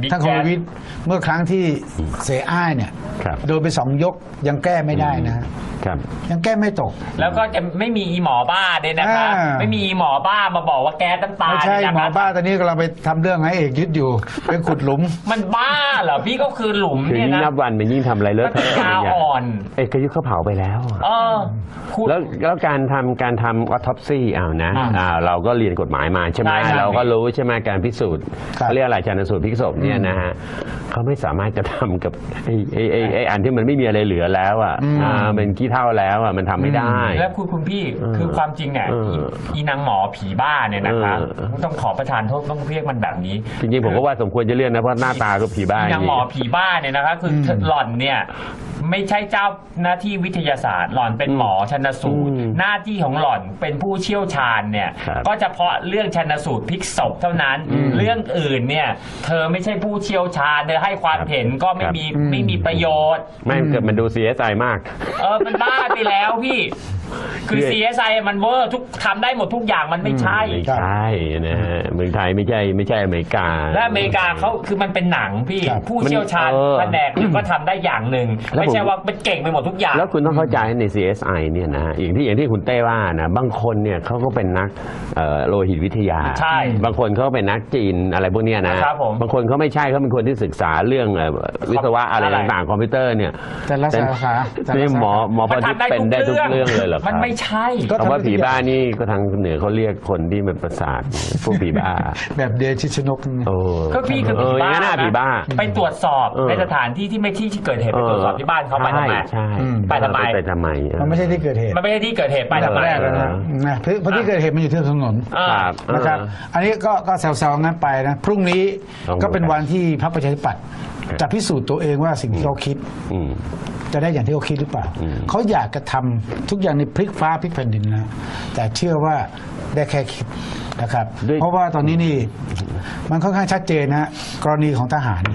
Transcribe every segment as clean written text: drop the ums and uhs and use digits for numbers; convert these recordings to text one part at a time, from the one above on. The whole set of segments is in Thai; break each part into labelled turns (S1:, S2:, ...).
S1: ท่านคมวิทย์เมื่อครั้งที่เสอ้ายเนี่ยโดนไป2 ยกยังแก้ไม่ได้นะครับยังแก้ไม่ตก
S2: แล้วก็จะไม่มีอีหมอบ้าด้วยนะคะไม่มีอีหมอบ้ามาบอกว่าแก๊สน้ำตา
S1: ไม่ใช่หมอบ้าตอนนี้กำลังไปทำเรื่องให้เอกยึดอยู่ไปขุดหลุม
S2: มันบ้าเหรอพี่ก็คือหลุม
S3: เนี่ยนะยิ่งนับวันมันยิ่งทำอะไรเลอะเทอะ
S2: กาอ่อน
S3: เอกยุทธเขาเผาไปแล้วแล้วการทำออทอปซี่นะเราก็เรียนกฎหมายมาใช่ไหมเราก็รู้ใช่ไหมการพิสูจน์เรียกอะไรชันสูตรพลิกศพเนี่ยนะฮะเขาไม่สามารถจะทำกับไอ้อันที่มันไม่มีอะไรเหลือแล้วเป็นขี้เถ้าแล้วมันทำไม่ได้
S2: แล้วคุณพี่คือความจริงเนี่ยอีนางหมอผีบ้าเนี่ยนะคะต้องขอประทานโทษต้องเรียกมันแบบนี้
S3: จริงๆผมก็ว่าสมควรจะเรียกนะเพราะหน้าตาก็ผีบ้าน
S2: างหมอผีบ้าเนี่ยนะคะคือหล่อนเนี่ยไม่ใช่เจ้าหน้าที่วิทยาศาสตร์หล่อนเป็นหมอชันสูตรหน้าที่ของหล่อนเป็นผู้เชี่ยวชาญเนี่ยก็เฉพาะเรื่องชันสูตรพลิกศพเท่านั้นเรื่องอื่นเนี่ยเธอไม่ใช่ผู้เชี่ยวชาญเธอให้ความเห็นก็ไม่มีประโยชน์
S3: ไม่เกิดมันดู CSI มาก
S2: มันบ้าไปแล้วพี่คือ CSI มันเวอร์ทุกทำได้หมดทุกอย่างมันไม่ใช่
S3: นะฮะเมืองไทยไม่ใช่อเมริกา
S2: และอเมริกาเขาคือมันเป็นหนังพี่ผู้เชี่ยวชาญแผนกก็ทำได้อย่างหนึ่งไม่ใช่ว่าเป็นเก่งไปหมดทุกอย่าง
S3: แล้วคุณต้องเข้าใจใน CSI เนี่ยนะอย่างที่คุณเต้ว่านะบางคนเนี่ยเขาก็เป็นนักโลหิตวิทยา
S2: ใช่
S3: บางคนเขาเป็นนักจีนอะไรพวกนี้นะบางคนเขาไม่ใช่เขาเป็นคนที่ศึกษาเรื่องวิศวะอะไรต่างๆคอมพิวเตอร์เนี่ย
S1: แต่ละสาขา
S3: นี่หมอพอที่เป็นได้ทุกเรื่องเลยเหรอ
S2: มันไม่ใช่
S3: คำว่าผีบ้านี่ก็ทางเหนือเขาเรียกคนที่มันประสาทพวกผีบ้า
S1: แบบเดชิชนก
S2: ก็พี่คือผีบ้าไปตรวจสอบในสถานที่ที่ไม่ที่เกิดเหตุไปตรวจสอบที่บ้านเขาไปทำไมไปทำไไม
S1: มันไม่ใช่ที่เกิดเหตุ
S2: มันไม่ใช่ที่เกิดเหตุไปทำไม
S1: เพราะที่เกิดเหตุมันอยู่ที่ถนนนะครับอันนี้ก็แซวๆงั้นไปนะพรุ่งนี้ก็เป็นวันที่พรรคประชาธิปัตย์จะพิสูจน์ตัวเองว่าสิ่งที่เขาคิดจะได้อย่างที่เขาคิดหรือเปล่าเขาอยากจะทำทุกอย่างในพลิกฟ้าพลิกแผ่นดินนะแต่เชื่อว่าได้แค่คิดนะครับเพราะว่าตอนนี้นี่มันค่อนข้างชัดเจนนะกรณีของทหาร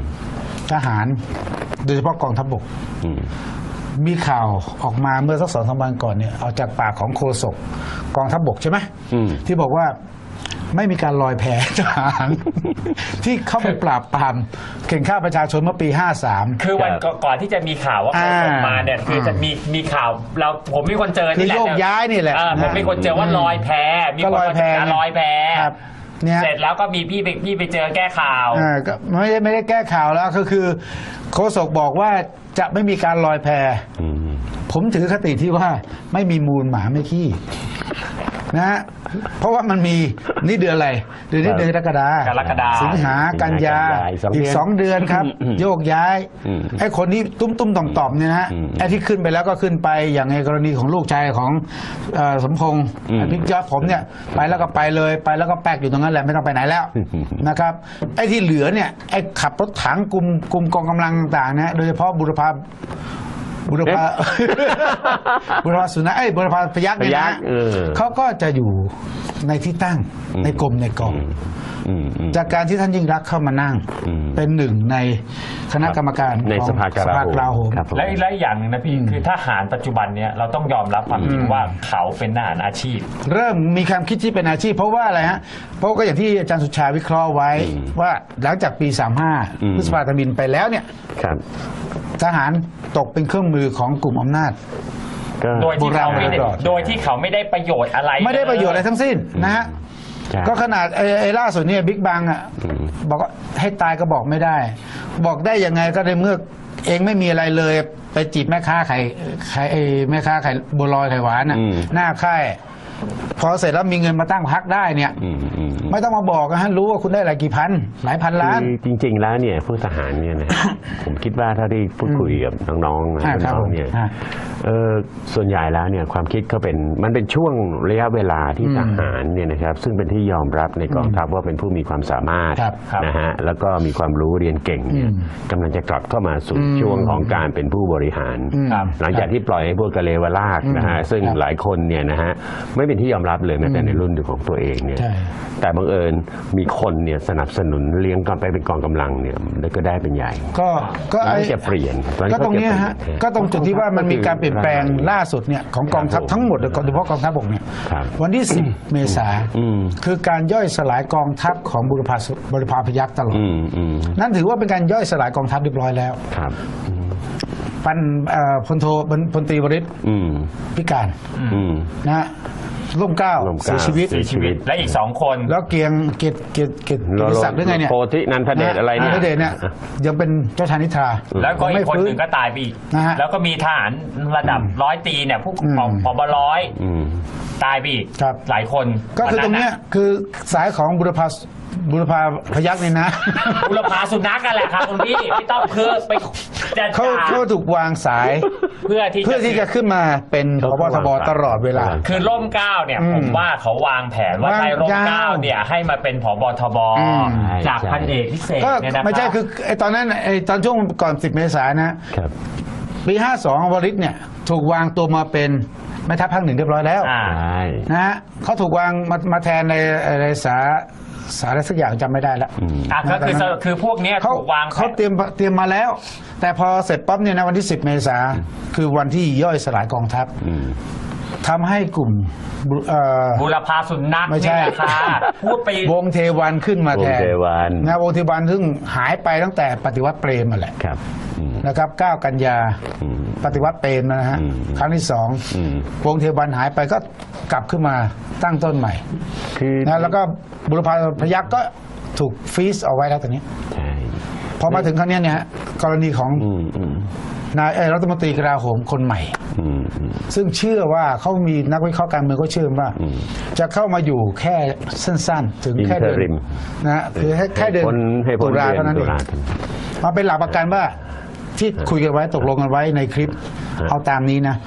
S1: โดยเฉพาะกองทัพบกมีข่าวออกมาเมื่อสัก2-3 วันก่อนเนี่ยเอาจากปากของโฆษกกองทัพบกใช่ไหมที่บอกว่าไม่มีการลอยแพทหารที่เข้าไปปราบปรามเข่งฆ่าประชาชนเมื่อปี53
S2: คือวันก่อนที่จะมีข่าวว่าเขาส่งมาเนี่ยคือจะมีข่าวผมมีคนเจอ
S1: นี่แหละโยกย้ายนี่แหละ
S2: ผมมีคนเจอว่าลอยแพมีคนลอยแพเสร็จแล้วก็มีพี่ไปเจอแก้ข่าว
S1: ก็ไม่ได้แก้ข่าวแล้วก็คือโฆษกบอกว่าจะไม่มีการลอยแพผมถือคติที่ว่าไม่มีมูลหมาไม่ขี้นะฮะเพราะว่ามันมีนี่เดือนอะไรเดือนนี้เดือนกรกฎาสิงหากันยาอีก2 เดือนครับโยกย้ายไอ้คนนี้ตุ้มต่อมเนี่ยนะไอ้ที่ขึ้นไปแล้วก็ขึ้นไปอย่างในกรณีของลูกชายของสมพงษ์พิกยอดผมเนี่ยไปแล้วก็ไปเลยไปแล้วก็แป๊กอยู่ตรงนั้นแหละไม่ต้องไปไหนแล้วนะครับไอ้ที่เหลือเนี่ยไอ้ขับรถถังกลุ่มกองกำลังต่างๆนะโดยเฉพาะบุรพาสุนัขบุรพาพยัคฆ์เนี่ยนะเขาก็จะอยู่ในที่ตั้งในกรมในกองจากการที่ท่านยิ่งรักเข้ามานั่งเป็นหนึ่งในคณะกรรมการ
S3: ในสภากลาโหม
S2: และอย่างนึงนะพี่คือทหารปัจจุบันเนี้ยเราต้องยอมรับความจริงว่าเขาเป็นทหารอาชีพ
S1: เริ่มมีความคิดที่เป็นอาชีพเพราะว่าอะไรฮะเพราะก็อย่างที่อาจารย์สุชาวิเคราะห์ไว้ว่าหลังจากปี35พฤษภาธมิฬไปแล้วเนี่ยทหารตกเป็นเครื่องมือของกลุ่มอำนาจ
S2: โดยที่เขาไม่ได้ประโยชน์อะไร
S1: ไม่ได้ประโยชน์อะไรทั้งสิ้นนะฮะก็ขนาดไอ้ล่าสุดเนี่ยบิ๊กบังอ่ะบอกว่าให้ตายก็บอกไม่ได้บอกได้ยังไงก็ในเมื่อเองไม่มีอะไรเลยไปจีบแม่ค้าไข่แม่ค้าไข่บัวลอยไข่หวานน่ะหน้าค่ายพอเสร็จแล้วมีเงินมาตั้งพรรคได้เนี่ยไม่ต้องมาบอกนะฮะรู้ว่าคุณได้หลายกี่พันหลายพันล้าน
S3: จริงๆแล้วเนี่ยผู้ทหารเนี่ยนะผมคิดว่าถ้าได้พูดคุยกับน้องๆเนี่ยส่วนใหญ่แล้วเนี่ยความคิดเขามันเป็นช่วงระยะเวลาที่ทหารเนี่ยนะครับซึ่งเป็นที่ยอมรับในกองทัพว่าเป็นผู้มีความสามารถนะฮะแล้วก็มีความรู้เรียนเก่งเนี่ยกำลังจะกลับเข้ามาสู่ช่วงของการเป็นผู้บริหารหลังจากที่ปล่อยให้พวกกะเลวลากนะฮะซึ่งหลายคนเนี่ยนะฮะไม่เป็นที่ยอมรับเลยแม้แต่ในรุ่นของตัวเองเนี่ยแต่บังเอิญมีคนเนี่ยสนับสนุนเลี้ยงกันไปเป็นกองกำลังเนี่ยก็ได้เป็นใหญ่
S1: ก็ไอ้
S3: จะเปลี่ยน
S1: ก็ตรงนี้ฮะก็ตรงจุดที่ว่ามันมีการเปลี่ยนแปลงล่าสุดเนี่ยของกองทัพทั้งหมดโดยเฉพาะกองทัพบกเนี่ยวันที่ 10 เมษาคือการย่อยสลายกองทัพของบุรพาพยัคฆ์ตลอดนั่นถือว่าเป็นการย่อยสลายกองทัพเรียบร้อยแล้ว
S3: ครับ
S1: พลตรีวริศพิการนะร่มเกล้าเสียชีวิต
S2: และอีก2 คน
S1: แล้วเกียงเกียรติศักดิ์หรือไงเนี่ย
S3: โพธินันทเดชอะไรเนี่ย
S1: นันทเดชเนี่ยยังเป็นเจ้าชายนิทรา
S2: แล้วก็อีกคนหนึ่งก็ตายไปอีกแล้วก็มีทหารระดับ100 ตรีเนี่ยผู้ผบ.100ตายไปอีกหลายคน
S1: ก็คือตรงนี้คือสายของบุรพาพยัคฆ์นี่นะ
S2: บุรพาสุนัขกันแหละครับคุณพี่ไม่ต้องคือไป
S1: เขาถูกวางสายเพื่อที่จะขึ้นมาเป็นผบ.ทบ.ตลอดเวลา
S2: คือร่มเกล้าเนี่ยผมว่าเขาวางแผนว่าใช้ร่มเกล้าเนี่ยให้มาเป็นผบ.ทบ.จากพันเอกพิเศษเนี่ยนะครับ
S1: ไม่ใช่คือไอ้ตอนนั้นไอ้ตอนช่วงก่อน10 เมษายนนะปี 52วริศเนี่ยถูกวางตัวมาเป็นแม่ทัพภาค 1เรียบร้อยแล้วนะฮะเขาถูกวางมาแทนในสารอะไรสักอย่างจำไม่ได้แล้ว
S2: ก็คือพวกนี้ถูกวาง
S1: เขาเตรียมมาแล้วแต่พอเสร็จปั๊บเนี่ยนะวันที่10 เมษาคือวันที่ย่อยสลายกองทัพทำให้กลุ่ม
S2: บุรพาสุนัข
S1: ไม่ใช่
S2: ค่ะพูดไป
S1: วงเทวันขึ้นมาแทนนะวงเทวันซึ่งหายไปตั้งแต่ปฏิวัติเปรมมาแหละนะครับ9 กันยาปฏิวัติเปรมนะฮะครั้งที่2วงเทวันหายไปก็กลับขึ้นมาตั้งต้นใหม่นะแล้วก็บุรพาพยัคฆ์ก็ถูกฟรีซเอาไว้แล้วตอนนี้พอมาถึงครั้งนี้เนี่ยกรณีของนายรัฐมนตรีกลาโหมคนใหม่ซึ่งเชื่อว่าเขามีนักวิเคราะห์การเมืองก็เชื่อว่าจะเข้ามาอยู่แค่สั้นๆถึงแค่เดือนนะคือแค่เดือนตุลาเท่านั้นเองมาเป็นหลักประกันว่าที่คุยกันไว้ตกลงกันไว้ในคลิปเอาตามนี้นะ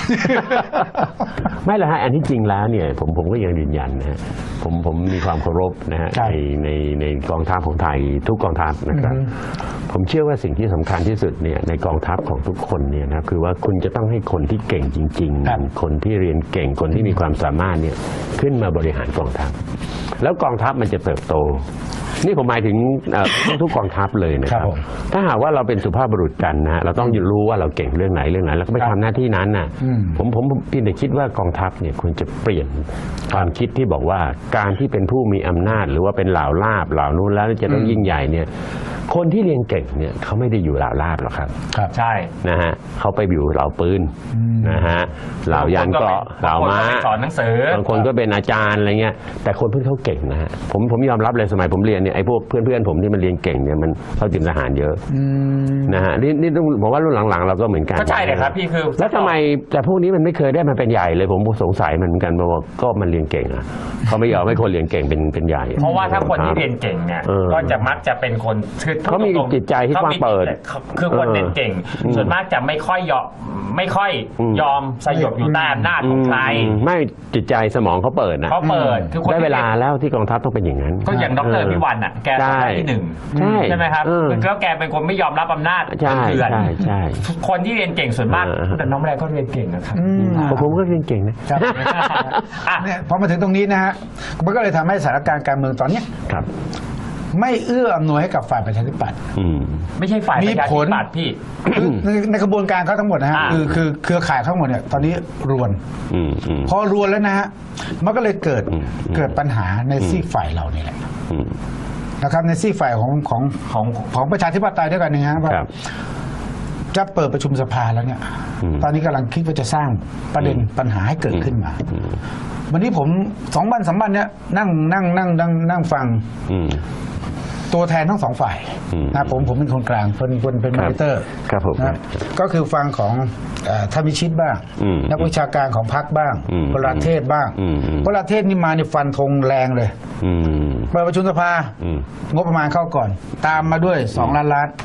S3: ไม่ละฮะอันที่จริงแล้วเนี่ยผมก็ยังยืนยันนะฮะผมมีความเคารพนะฮะในกองทัพของไทยทุกกองทัพนะครับผมเชื่อว่าสิ่งที่สำคัญที่สุดเนี่ยในกองทัพของทุกคนเนี่ยนะคือว่าคุณจะต้องให้คนที่เก่งจริงๆคนที่เรียนเก่งคนที่มีความสามารถเนี่ยขึ้นมาบริหารกองทัพแล้วกองทัพมันจะเติบโตนี่ผมหมายถึงทุกกองทัพเลยนะครับถ้าหากว่าเราเป็นสุภาพบุรุษกันนะเราต้องรู้ว่าเราเก่งเรื่องไหนแล้วก็ไปทำหน้าที่นั้นน่ะผมเพียงแต่คิดว่ากองทัพเนี่ยควรจะเปลี่ยนความคิดที่บอกว่าการที่เป็นผู้มีอำนาจหรือว่าเป็นเหล่าลาภเหล่านู้นแล้วจะต้องยิ่งใหญ่เนี่ยคนที่เรียนเก่งเนี่ยเขาไม่ได้อยู่เหล่าลาภหรอกครับ
S2: ใช่
S3: นะฮะเขาไปอยู่เหล่าปืนนะฮะเหล่ายานเกราะเหล่าม้า
S2: สอนหนังสือบ
S3: างคนก็เป็นอาจารย์อะไรเงี้ยแต่คนเพื่อนเขาเก่งนะฮะผมยอมรับเลยสมัยผมเรียนเนี่ยไอ้พวกเพื่อนผมที่มันเรียนเก่งเนี่ยมันเข้าจิมทหารเยอะนะฮะนี่ผมว่ารุ่นหลังๆเราก็เหมือนกัน
S2: ก็ใช่เลยครับพี่คือ
S3: แล้วทำไมแต่พวกนี้มันไม่เคยได้มาเป็นใหญ่เลยผมสงสัยมันเหมือนกันว่าก็มันเรียนเก่งอ่ะเขาไม่ยอมให้คนเรียนเก่งเป็นใหญ่
S2: เพราะว่าถ้าคนที่เรียนเก่งเนี่ยก็จะมักจะเป็นคน
S3: เขามีจิตใจที่กว้างเปิด
S2: คือคนเรียนเก่งส่วนมากจะไม่ค่อยยอมสยบอยู่ใต้อำนาจของใคร
S3: ไม่จิตใจสมองเขาเปิดนะ
S2: เขาเปิด
S3: ได้เวลาแล้วที่กองทัพต้องเป็นอย่างนั้น
S2: ก็อย่างดร.พิวันอ่ะแกเป็นที่1ใช่ไหมครับแล้วแกเป็นคนไม่ยอมรับอำนาจเถื่อนคนที่เรียนเก่งส่วนมากแต่น้องแรกก็เรียนเก่งนะครับ
S3: ผมก็เรียนเก่งนะ
S1: เนี่ยพอมาถึงตรงนี้นะฮะมันก็เลยทำให้สถานการณ์การเมืองตอนนี้ไม่เอื้ออำนวยให้กับฝ่ายประชาธิปัตย์
S2: ไม่ใช่ฝ่ายประชาธิปัตย์พี่
S1: ในกระบวนการเขาทั้งหมดนะฮะคือเครือข่ายทั้งหมดเนี่ยตอนนี้รวนพอรวนแล้วนะฮะมันก็เลยเกิดปัญหาในซีกฝ่ายเรานี่แหละนะครับในซีกฝ่ายของประชาธิปไตยด้วยกันนะฮะว่าจะเปิดประชุมสภาแล้วเนี่ยตอนนี้กำลังคิดว่าจะสร้างประเด็นปัญหาให้เกิดขึ้นมาวันนี้ผม2 วัน 3 วันเนี่ยนั่งฟังตัวแทนทั้ง2 ฝ่ายนะผมเป็นคนกลางเป็นมอนิเตอร์นะก็คือฟังของท่านวิชิตบ้างนักวิชาการของพรรคบ้างพลเทศบ้างพลเทศนี่มาในฟันธงแรงเลยเปิดประชุมสภางบประมาณเข้าก่อนตามมาด้วย2 ล้านล้าน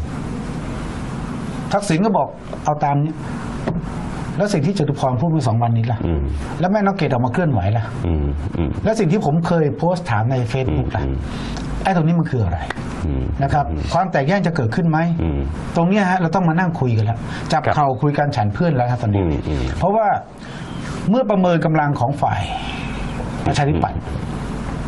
S1: ทักษิณก็บอกเอาตามนี้แล้วสิ่งที่จตุพรพูดเมื่อ2 วันนี้ล่ะแล้วแม่น้องเกดออกมาเคลื่อนไหวล่ะแล้วสิ่งที่ผมเคยโพสต์ถามใน Facebook ล่ะไอ้ตรงนี้มันคืออะไรนะครับความแตกแยกจะเกิดขึ้นไหมตรงนี้ฮะเราต้องมานั่งคุยกันแล้วจับเข่าคุยกันฉันเพื่อนแล้วครับตอนนี้เพราะว่าเมื่อประเมินกำลังของฝ่ายประชาธิปัตย์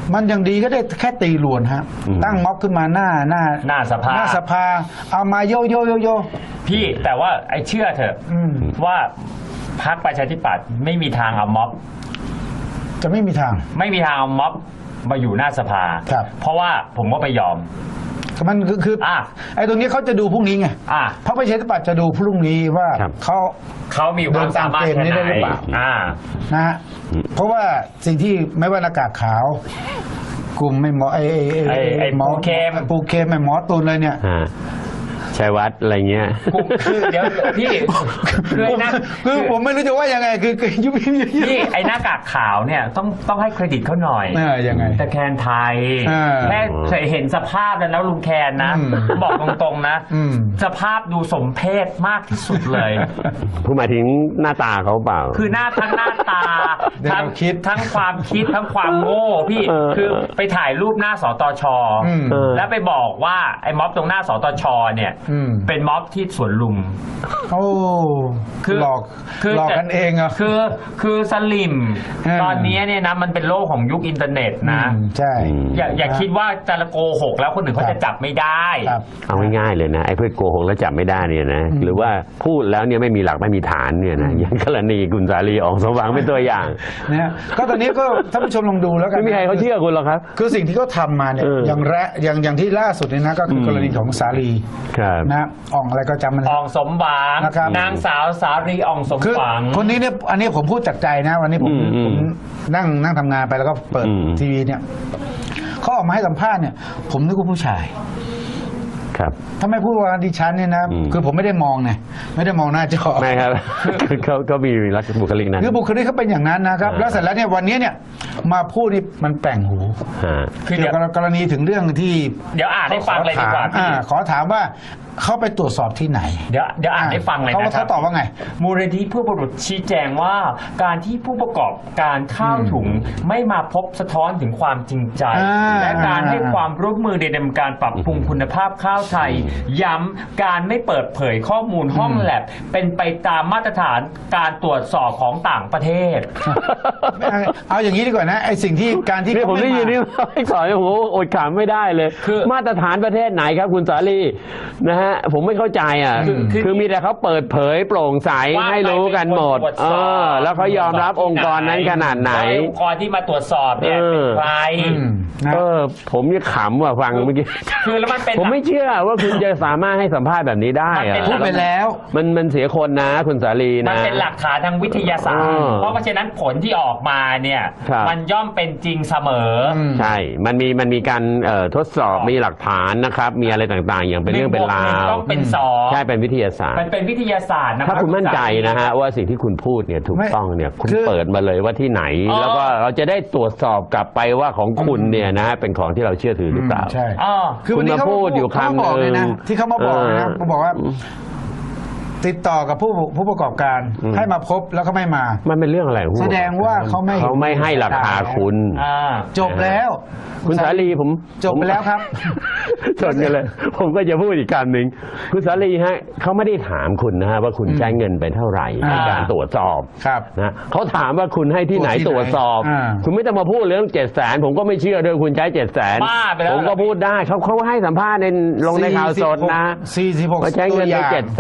S1: มันยังดีก็ได้แค่ตีลวนฮะตั้งม็อบขึ้นมาหน้า
S2: สภา
S1: สภาเอามาโย
S2: พี่แต่ว่าไอ้เชื่อเถอะว่าพรรคประชาธิปัตย์ไม่มีทางเอาม็อบ
S1: จะไม่มีทาง
S2: ไม่มีทางเอาม็อบมาอยู่หน้าสภา
S1: ครับ
S2: เพราะว่าผมก็ไม่ยอม
S1: มันคือไอ้ตรงนี้เขาจะดูพรุ่งนี้ไงเพราะประชาธิปัตย์จะดูพรุ่งนี้ว่าเขา
S2: มีความสามารถแค่ไหน
S1: นะฮะเพราะว่าสิ่งที่ไม่ว่าหน้ากากขาวกลุ่มไม่หมอไอ้หมอปูเคมไม่หมอตูนเลยเนี่ย
S3: ชัยวัฒน์อะไรเงี้ย
S2: คือเดี๋ยวพี่
S1: คือผมไม่รู้จะว่ายังไงคือยุบ
S2: พี่ไอ้หน้ากากขาวเนี่ยต้องให้เครดิตเขาหน่อย
S1: ยังไง
S2: แต่แคนไทยแค่เคยเห็นสภาพแล้วลุงแคนนะบอกตรงๆนะสภาพดูสมเพศมากที่สุดเลย
S3: ผู้หมายถึงหน้าตาเขาเปล่า
S2: คือทั้งหน้าตาทั้งความคิดทั้งความโง่พี่คือไปถ่ายรูปหน้าสตช.แล้วไปบอกว่าไอ้ม็อบตรงหน้าสตช.เนี่ยเป็นม็อบที่สวนลุม
S1: โอ้หลอกกันเองอ่ะ
S2: คือสลิมตอนนี้เนี่ยนะมันเป็นโลกของยุคอินเทอร์เน็ตนะ
S1: ใช่
S2: อย่าคิดว่าจะโกหกแล้วคนอื่นเขาจะจับไม่ได้
S3: เอาง่ายๆเลยนะไอ้เพื่อโกหกแล้วจับไม่ได้เนี่ยนะหรือว่าพูดแล้วเนี่ยไม่มีหลักไม่มีฐานเนี่ยนะอย่างกรณีคุณสาลีออกสว่างเป็นตัวอย่าง
S1: เนี่ยก็ตอนนี้ก็ท่านผู้ชมลองดูแล้วกัน
S3: ไม่มีใครเขาเชื่อคุณหรอกครับ
S1: คือสิ่งที่เขาทำมาเนี่ยอย่างที่ล่าสุดเนี่ยนะก็คือกรณีของสาลีนะอ่องอะไรก็จำมัน
S2: อ่องสมหวังนางสาวสาลีอ่องสมหวัง
S1: คนนี้เนี่ยอันนี้ผมพูดจากใจนะวันนี้ผมนั่งทำงานไปแล้วก็เปิดทีวีเนี่ยเขาออกมาให้สัมภาษณ์เนี่ยผมนึกว่าผู้ชายถ้าไม่พูดว่าดิฉันเนี่ยนะคือผมไม่ได้มองไงไม่ได้มองหน้าจอ
S3: ไม่ครับเขามีลักษณะบุคลิกนั้น
S1: คือบุคลิกเขาเป็นอย่างนั้นนะครับแล้วเสร็จแล้วเนี่ยวันนี้เนี่ยมาพูดนี่มันแปลงหูคือเกี่ยวกับกรณีถึงเรื่องที่
S2: เดี๋ยวอ่านให้ฟังเลยดีกว่า
S1: ขอถามว่าเขาไปตรวจสอบที่ไหน
S2: เดี๋ยวอ่านให้ฟังเลยนะครับ
S1: เขาตอบว่าไง
S2: มูลนิธิผู้บริโภคชี้แจงว่าการที่ผู้ประกอบการข้าวถุงไม่มาพบสะท้อนถึงความจริงใจและการให้ความร่วมมือในการปรับปรุงคุณภาพข้าวไทยย้ำการไม่เปิดเผยข้อมูลห้องแลบเป็นไปตามมาตรฐานการตรวจสอบของต่างประเทศ
S1: เอาอย่างนี้ดีกว่านะไอสิ่งที่การที่
S3: ผมได้ยินนี่ไม่สอนผมอดขำไม่ได้เลยคือมาตรฐานประเทศไหนครับคุณสาลีนะฮะผมไม่เข้าใจอ่ะคือมีแต่เขาเปิดเผยโปร่งใสให้รู้กันหมดแล้วเขายอมรับองค์กรนั้นขนาดไหน
S2: องค์กรที่มาตรวจสอบเนี่ยเป็นใคร
S3: ผมยังขำว่ะฟังเมื่อกี้
S2: คือแล้วมันเป็น
S3: ผมไม่เชื่อว่าคุณจะสามารถให้สัมภาษณ์แบบนี้ได้
S1: พูดไปแล้ว
S3: มันเสียคนนะคุณสาลีนะ
S2: มันเป็นหลักฐานทางวิทยาศาสตร์เพราะฉะนั้นผลที่ออกมาเนี่ยมันย่อมเป็นจริงเสมอ
S3: ใช่มันมีการทดสอบมีหลักฐานนะครับมีอะไรต่างๆอย่างเป็นเรื่องเป็นราว
S2: ต้องเป็นสอง
S3: ใช่เป็นวิทยาศาสตร์
S2: มันเป็นวิทยาศาสตร์นะ
S3: ถ้าคุณมั่นใจนะฮะว่าสิ่งที่คุณพูดเนี่ยถูกต้องเนี่ยคุณเปิดมาเลยว่าที่ไหนแล้วก็เราจะได้ตรวจสอบกลับไปว่าของคุณเนี่ยนะเป็นของที่เราเชื่อถือหรือเปล่า
S1: ใช่
S3: คือวันนี้เขาพูดอยู่คำนึง
S1: ที่เขามาบอกนะเขาบอกว่าติดต่อกับผู้ประกอบการให้มาพบแล้วก็ไม่มา
S3: มันเป็นเรื่องอะไร
S1: แสดงว่าเขา
S3: ไม่ให้ราคาคุณ
S1: จบแล้ว
S3: คุณสาลีผม
S1: จบไปแล้วครับ
S3: จบกันเลยผมก็จะพูดอีกคำหนึ่งคุณสาลีฮะเขาไม่ได้ถามคุณนะฮะว่าคุณใช้เงินไปเท่าไหร่ในการตรวจสอบนะเขาถามว่าคุณให้ที่ไหนตรวจสอบคุณไม่ต้องมาพูดเรื่อง700,000ผมก็ไม่เชื่อด้วยคุณใช้700,000ผมก็พูดได้เขาให้สัมภาษณ์ลงในข่าวสดนะ
S1: 46
S3: ใช้เงินไป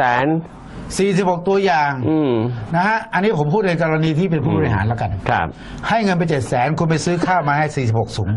S1: 46ตัวอย่างนะฮะอันนี้ผมพูดในกรณีที่เป็นผู้บริหารแล้วกันให้เงินไป700,000คุณไปซื้อข้าวมาให้46ถุง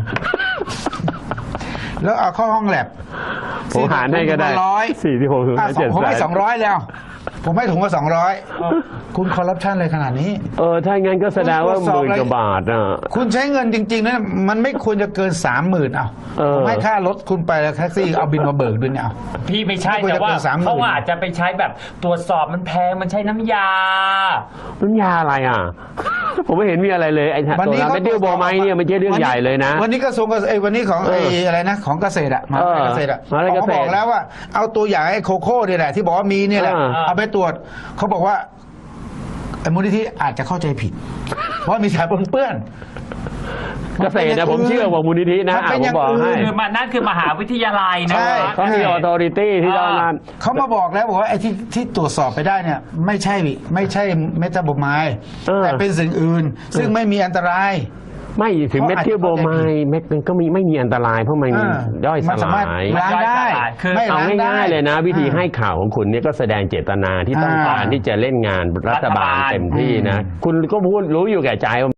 S1: แล้วเอาเข้าห้องแลบ
S3: ผมหารให้ก็ได้46ถุง
S1: ผมให้200แล้วผมให้ถุงละ200คุณคอร์รัปชันเลยขนาดนี้
S3: ถ้างั้นก็แสดงว่า10,000 กว่าบาท
S1: คุณใช้เงินจริงๆนะมันไม่ควรจะเกิน 30,000ผมให้ค่ารถคุณไปแล้วแท็กซี่เอาบินมาเบิกด้วยเนี่ย
S2: พี่ไม่ใช่แต่ว่าเขาอาจจะไปใช้แบบตรวจสอบมันแพงมันใช้น้ำยา
S3: อะไรผมไม่เห็นมีอะไรเลยไอ้ตัวนั้นไม่ดิ้วบอไม้เนี่ยมันใช่เรื่องใหญ่เลยนะ
S1: วันนี้กระทรวงวันนี้ของอะไรนะของเกษตรมหาเกษตรเขาบอกแล้วว่าเอาตัวอย่างไอ้โคโค่เนี่ยแหละที่บอกว่ามีเนี่ยแหละเอาไปตรวจเขาบอกว่าไอ้มูลนิธิอาจจะเข้าใจผิดเพราะมีสารปนเปื้อน
S3: เกษตรนะผมเชื่อว่ามูลนิธินะผมบอกให้
S2: คือนั่นคือมหาวิทยาลัยนะ
S3: เขามีออโตริตี้ที่ต้องนั้น
S1: เขามาบอกแล้วบอกว่าไอ้ที่ตรวจสอบไปได้เนี่ยไม่ใช่เมตาโบไมด์แต่เป็นสิ่งอื่นซึ่งไม่มีอันตราย
S3: ไม่ถึงเมทิลโบรไมด์มันก็ไม่มีอันตรายเพราะมันย่อยส
S1: มันสามารถ
S3: ลาย
S1: ล้างได้
S2: คือ
S1: ไม่
S3: เอา
S1: ล้างได้
S3: ง่ายๆเลยนะ วิธีให้ข่าวของคุณเนี่ยก็แสดงเจตนาที่ต้องการที่จะเล่นงานรัฐบาลเต็มที่นะ คุณก็พูดรู้อยู่แก่ใจว่า